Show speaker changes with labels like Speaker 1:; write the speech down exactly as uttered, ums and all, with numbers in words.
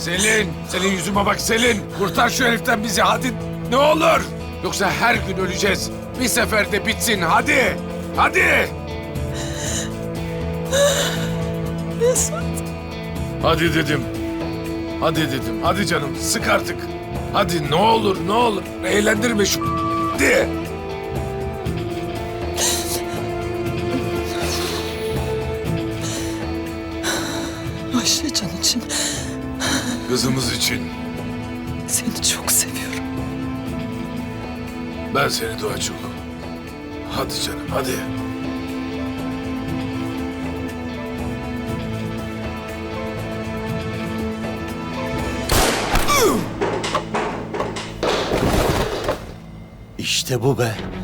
Speaker 1: Selin, senin yüzüme bak Selin. Kurtar şu heriften bizi hadi ne olur. Yoksa her gün öleceğiz. Bir seferde bitsin hadi. Hadi.
Speaker 2: Mesut.
Speaker 1: Hadi dedim. Hadi dedim. Hadi canım sık artık. Hadi ne olur ne olur. Eğlendirme şu hadi.
Speaker 2: Ayşecan için
Speaker 1: Kızımız için.
Speaker 2: seni çok seviyorum.
Speaker 1: Ben seni daha çok. Hadi canım hadi.
Speaker 3: İşte bu be.